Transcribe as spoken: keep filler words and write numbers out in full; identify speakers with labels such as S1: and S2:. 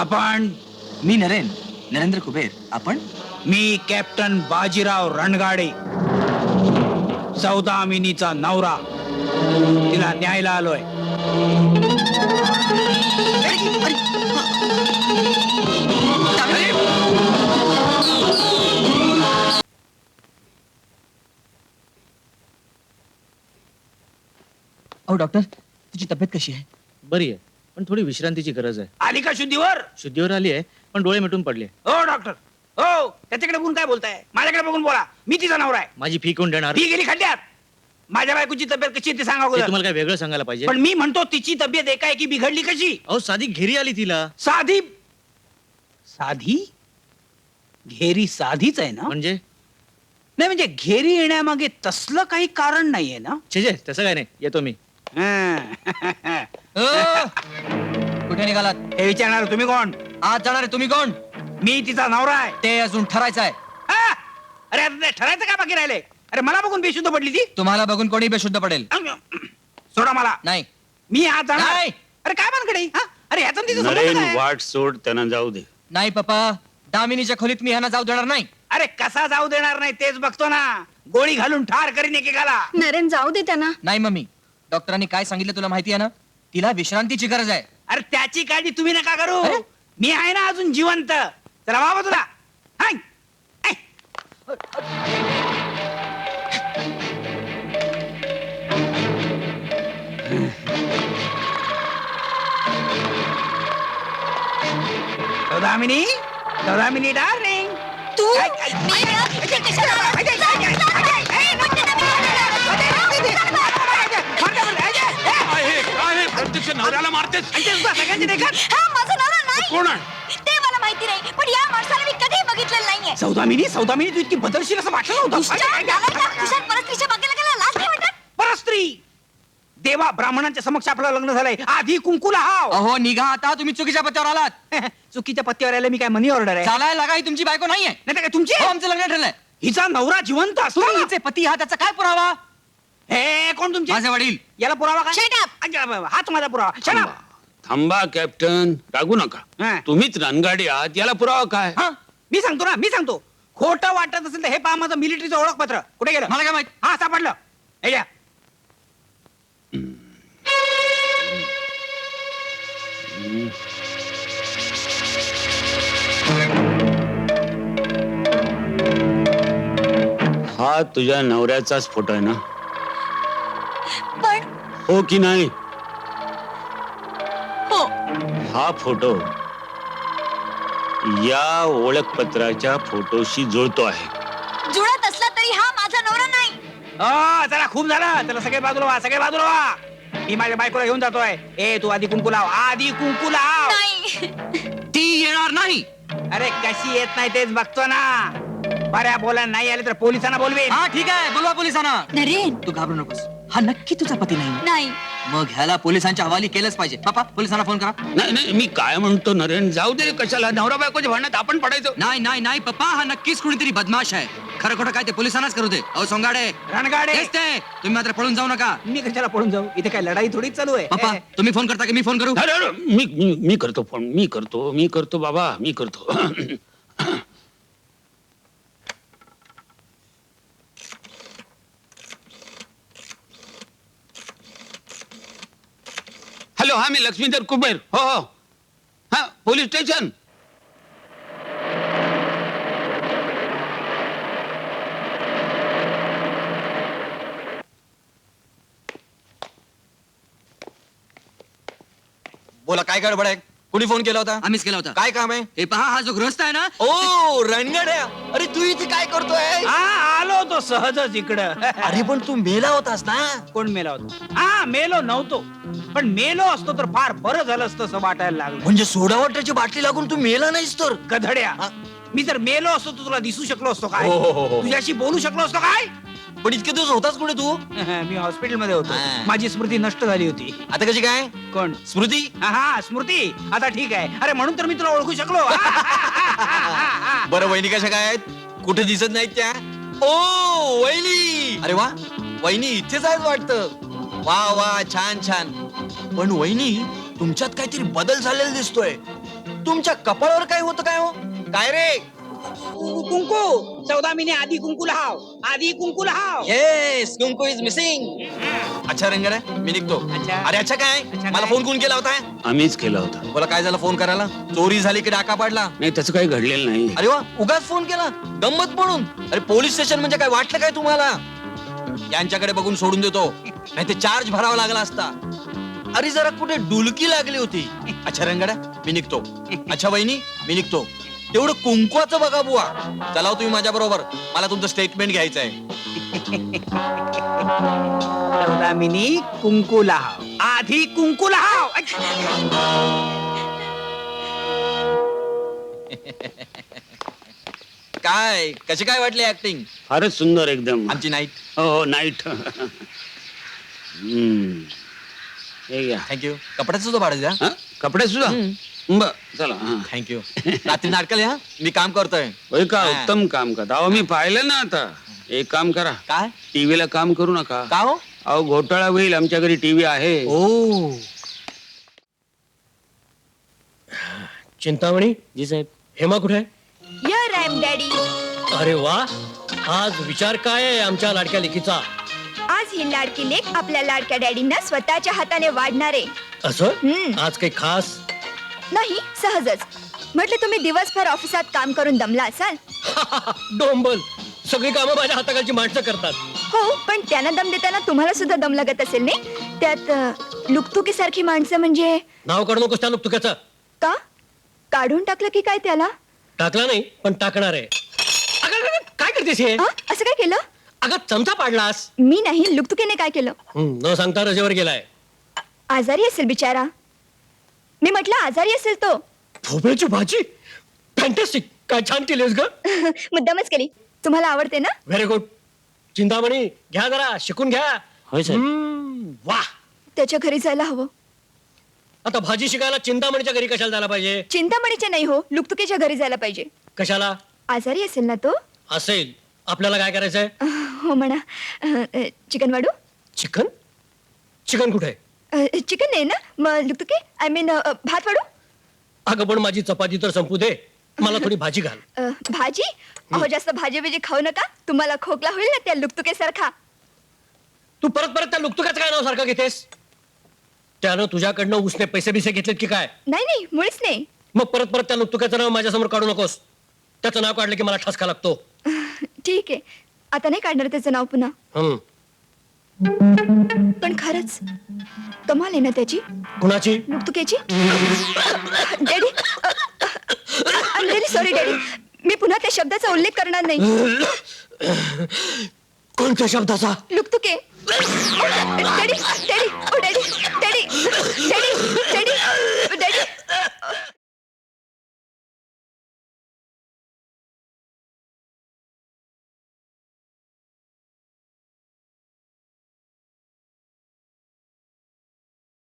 S1: आपण?
S2: मी नरेन नरेंद्र कुबेर. आपण?
S1: मी कॅप्टन बाजीराव रणगाडे, सौदामिनीचा नवरा. तिला न्यायला आलोय.
S2: अहो डॉक्टर, तुझी तब्येत कशी आहे?
S3: बरी आहे, पण थोडी विश्रांतीची गरज आहे.
S1: आली का शुद्धीवर?
S3: शुद्धीवर आली आहे, पण डोळे मिटून पडले.
S1: हो डॉक्टर, हो. त्याच्याकडे बघून काय बोलताय? माझ्याकडे बघून बोला. मी तिचा नवरा आहे.
S3: माझी फी कोण देणार?
S1: ती गेली खड्ड्यात. माझ्या बायकोची तब्येत कशी आहे ते सांगा
S3: ते
S1: अगोदर.
S3: तुम्हाला काय वेगळं सांगायला पाहिजे?
S1: पण मी म्हणतो तिची तब्येत एकाएकी बिघडली कशी?
S3: अहो साधी घेरी आली तिला.
S1: साधी साधी घेरी साधीच आहे ना?
S3: म्हणजे
S1: नाही म्हणजे घेरी येण्यामागे तसलं काही कारण नाहीये ना?
S3: छे छे, तसं काय नाही. येतो मी.
S2: कुठे निघालात?
S1: हे विचारणार तुम्ही कोण?
S2: आज जाणार आहे तुम्ही कोण?
S1: मी तिचा नवरा आहे.
S2: ते अजून ठरायचं आहे.
S1: हा? अरे आता ते ठरायचं का बाकी राहिले? अरे मला बघून बेशुद्ध पडली ती.
S2: तुम्हाला बघून कोणी बेशुद्ध पडेल?
S1: सोडा मला.
S2: नाही.
S1: मी आज जाणार.
S2: नाही.
S1: अरे काय मानकडे? हा? अरे ह्याचा आणि तिचा संबंध
S4: नरेन
S1: काय?
S4: वाट सोड, त्यांना जाऊ दे.
S2: नाही पप्पा, दामिनीच्या खोलीत मी ह्यांना जाऊ देणार नाही.
S1: अरे कसा जाऊ देणार नाही तेच बघतो ना. गोळी घालून ठार करीन एकेकाला.
S5: नरेन जाऊ दे त्यांना.
S2: नाही मम्मी, डॉक्टरांनी काय सांगितलं तुला माहिती आहे ना? तिला विश्रांतीची गरज आहे.
S1: अरे त्याची काळजी तुम्ही नका करू. मी आहे ना अजून जिवंत. चला बाबा तुला. Hi. Hi. Saudamini, Saudamini darling.
S5: तू
S1: काय- काय-
S5: मी ना इथे कशाला आला?
S1: काय- काय- काय- काय- काय- काय- काय-
S5: म्हणते ना मी.
S4: प्रत्यक्ष नवऱ्याला मारतेस.
S1: सगळ्यांची देखत.
S5: हा माझा नवरा नाही.
S4: कोण आहे?
S5: ते मला माहिती नाही, पण या माणसाला मी कधी बघितलेलं नाहीये.
S1: सौदामिनी, सौदामिनी तू इतकी बदलशील असं वाटलं नव्हतं.
S5: दुष्ट, नालायक, तुझ्या परस्त्रीच्या बागेला गेला, लाज नाही वाटत?
S1: परस्त्री देवा ब्राह्मणांच्या समक्ष आपलं लग्न झालंय. आधी कुंकुला हाव.
S2: अहो निघा आता, तुम्ही चुकीच्या पत्त्यावर आलात.
S1: चुकीच्या पत्त्यावर आले मी काय मनी ऑर्डर आहे?
S2: चालायला लागा, ही तुमची बायको नाहीये.
S1: नाही तर काय तुमची?
S2: हो, आमचं लग्न ठरलंय.
S1: हिचा नवरा जिवंत असतो.
S2: तुम्ही हिचे पती आहात, त्याचा काय पुरावा?
S1: हे कोण तुमचे?
S2: माझे वडील.
S1: याला पुरावा काय?
S5: Shut up.
S1: अच्छा, हाच माझा पुरावा. Shut up.
S4: थांबा कॅप्टन, रागू
S1: हा.
S4: नका. तुम्हीच रणगाडी आहात, याला पुरावा काय?
S1: हा, मी सांगतो ना, मी सांगतो. खोटं वाटत असेल तर हे पहा माझं मिलिटरीचं ओळखपत्र. कुठे गेलं?
S2: मला काय माहित?
S1: हा सापडलं. हे घ्या.
S4: हा तुझ्या नवऱ्याचाच फोटो आहे ना?
S5: पण
S4: हो की नाही?
S5: हो,
S4: हा फोटो या ओळखपत्राच्या फोटोशी जुळतो आहे.
S5: जुळत असला तरी हा माझा नवरा नाही.
S1: हो, चला खूप झालं. चला सगळे बाजूला व्हा, सगळे बाजूला व्हा. मी माझ्या बायकोला घेऊन जातोय. ए तू आधी कुंकू लाव, आधी कुंकू लाव.
S5: नाही.
S2: ती येणार नाही.
S1: अरे कशी येत नाही तेच बघतो ना. बऱ्या बोला नाही आले तर पोलिसांना बोलवेन.
S2: हा ठीक आहे, बोलवा पोलिसांना.
S5: नरेन
S2: तू घाबरू नकोस. हा नक्की तुझा पती नाही.
S5: नाही.
S2: मग ह्याला पोलिसांच्या हवाली केलंच पाहिजे. पापा, पोलिसांना फोन करा.
S4: नाही नाही, मी काय म्हणतो नरेन, जाऊ दे. कशाला नवरा बायकोच्या भांडणात आपण पडायचो?
S2: नाही नाही नाही पप्पा, हा नक्कीच कुणीतरी बदमाश आहे. खरं खोटं काय ते पोलिसांनाच करू दे. अहो सोंगाडे,
S1: रणगाडे.
S2: तेच ते. तुम्ही मात्र पळून जाऊ नका.
S1: मी कशाला पळून जाऊ? इथे काय लढाई थोडीच चालू आहे.
S2: पप्पा, तुम्ही फोन करता की मी फोन करू?
S4: अरे अरे, मी मी- मी करतो फोन. मी करतो मी करतो बाबा, मी करतो. हॅलो, हा मी लक्ष्मीधर कुबेर. हो हो, हा पोलीस स्टेशन.
S6: बोला, काय गडबड आहे? कुणी फोन केला होता?
S2: आम्हीच केला होता.
S6: काय काम आहे?
S2: हे पहा, हा जो गृहस्थ आहे ना,
S6: ओ रणगड्या, अरे तू इथे काय करतोय?
S1: हा आलो तो सहजच इकडं.
S6: अरे पण तू मेला होतास ना?
S1: कोण मेला होता? हा मेलो नव्हतो, पण मेलो असतो तर फार बरं झालं असतं असं वाटायला लागलं.
S6: म्हणजे सोडा वॉटरची बाटली लागून तू मेला नाहीस तर?
S1: गधड्या,
S6: हा?
S1: मी जर मेलो असतो तर तुला दिसू शकलो असतो काय?
S6: हो, हो, हो, हो.
S1: तुझ्याशी बोलू शकलो असतो काय?
S6: पण इतके दिवस होतास कुठे तू?
S1: मी हॉस्पिटल मध्ये होतो.
S6: हा.
S1: माझी स्मृती नष्ट झाली होती.
S6: आता कशी काय?
S1: कोण?
S6: स्मृती?
S1: हा, हा स्मृती आता ठीक आहे. अरे म्हणून तर मी तुला ओळखू शकलो.
S6: बरं, वहिनी कशा काय आहेत? कुठे दिसत नाहीत त्या? ओ वहिनी, अरे वा, वहिनी इथेच आहेत वाटतं. वा वा, छान छान. पण वहिनी, तुमच्यात काहीतरी बदल झालेला दिसतोय. तुमच्या कपाळावर काय होतं काय हो काय रे
S1: कु- कुंकू चौदामिनी आधी कुंकू लाव आधी कुंकू लाव
S6: येस कुंकू इज मिसिंग अच्छा रंगड मी निघतो
S1: अच्छा.
S6: अरे अच्छा काय
S1: अच्छा
S6: मला
S1: काय?
S6: फोन कोण केला होता
S4: आम्हीच केला होता
S6: बोला काय झालं फोन करायला चोरी झाली की डाका पाडला
S4: नाही त्याचं काही घडलेलं नाही
S6: अरे वा उगाच फोन केला गंमत म्हणून अरे पोलीस स्टेशन म्हणजे काय वाटलं काय तुम्हाला यांच्याकडे बघून सोडून देतो नाही ते चार्ज भरावा लागला असता अरे जरा कुठे डुलकी लागली होती अच्छा रंगड्या मी निघतो अच्छा वहिनी मी निघतो तेवढं कुंकवाचं बघा बुवा चला हो तुम्ही माझ्या बरोबर मला तुमचं स्टेटमेंट घ्यायचं आहे
S1: चौदामिनी कुंकू लाव आधी कुंकू लाव
S6: काय कशी काय वाटली ऍक्टिंग
S4: फारच सुंदर एकदम
S6: आमची नाईट
S4: हो हो नाईट हे घ्या
S6: थँक्यू कपड्याचं सुद्धा भाडं द्या
S4: हा? कपडे सुद्धा बर चला हा.
S6: थँक्यू रात्री नाटकाल या मी काम करतोय
S4: होय का
S6: हा.
S4: उत्तम काम करता अहो मी पाहिलं ना आता एक काम करा
S6: काय
S4: टीव्हीला काम करू नका
S6: का हो
S4: अहो घोटाळा होईल आमच्या घरी टीव्ही आहे
S6: ओ
S7: चिंतामणी
S3: जी साहेब
S7: हेमा कुठे आहे?
S5: Here I am, daddy.
S7: अरे वा आज विचार काय आहे आमच्या लाडक्या लेकीचा
S5: आज ही लाडकी लेक आपल्या लाडक्या डॅडींना स्वतःच्या हाताने वाढणार आहे
S7: असं
S5: हम्म.
S7: आज काही खास
S5: नाही सहजच म्हटलं तुम्ही दिवसभर ऑफिसात काम करून दमला असाल
S7: डोंबल सगळी कामं माझ्या हाताखालची माणसं करतात
S5: हो पण त्यांना दम देताना तुम्हाला सुद्धा दम लागत असेल नाही त्यात लुकतुकी सारखी माणसं म्हणजे
S7: नाव काढू नकोस त्या तुक्याचं
S5: का काढून टाकलं की काय त्याला
S7: टाकला नाही पण टाकणार आहे अगं, अगं, अगं, काय करतेस हे
S5: हा? असं काय केलं
S7: अगं चमचा पाडलास
S5: मी नाही लुकतुकीने काय केलं
S7: हं, न सांगता रजेवर गेलाय
S5: आजारी असेल बिचारा मी म्हटलं आजारी असेल तो
S7: भोपळ्याची भाजी फॅन्टॅस्टिक काय छान केलीस ग
S5: मुद्दामच केली तुम्हाला आवडते ना
S7: व्हेरी गुड चिंतामणी घ्या जरा शिकून घ्या
S3: होय साहेब
S7: हं, वाह
S5: त्याच्या घरी जायला हवं
S7: आता भाजी शिकायला चिंतामणीच्या घरी कशाला जायला पाहिजे
S5: चिंतामणीच्या नाही हो लुकतुकीच्या घरी जायला पाहिजे
S7: कशाला
S5: आजारी असेल ना तो
S7: असेल आपल्याला काय करायचंय
S5: हो म्हणा अ, चिकन वाढू
S7: चिकन चिकन कुठे आहे?
S5: अ, चिकन नाही ना मग लुकतुकी आय मीन भात वाढू
S7: अगं पण माझी चपाती तर संपू दे मला थोडी भाजी घाल
S5: अ, भाजी अहो जास्त भाजी बिजी खाऊ नका तुम्हाला खोकला होईल ना त्या लुकतुकेसारखा
S7: तू परत परत त्या लुकतुकाचं काय नाव सारखं घेतेस त्यानं तुझ्याकडनं उसने पैसे बिसे घेतलेत की काय
S5: नाही नाही मुळीच नाही
S7: मग परत परत त्या लुकतुकाचं नाव माझ्यासमोर काढू नकोस त्याचं नाव काढलं की मला ठसका लागतो
S5: ठीक आहे आता नाही काढणार त्याचं नाव पुन्हा
S7: हम्म
S5: पण खरंच कमाल आहे ना त्याची
S7: कुणाची
S5: लुकतुकेची डॅडी डॅडी सॉरी डॅडी मी पुन्हा त्या शब्दाचा उल्लेख करणार नाही
S7: कोणत्या शब्दाचा
S5: लुकतुके डॅडी डॅडी ओ डॅडी डॅडी डॅडी डॅडी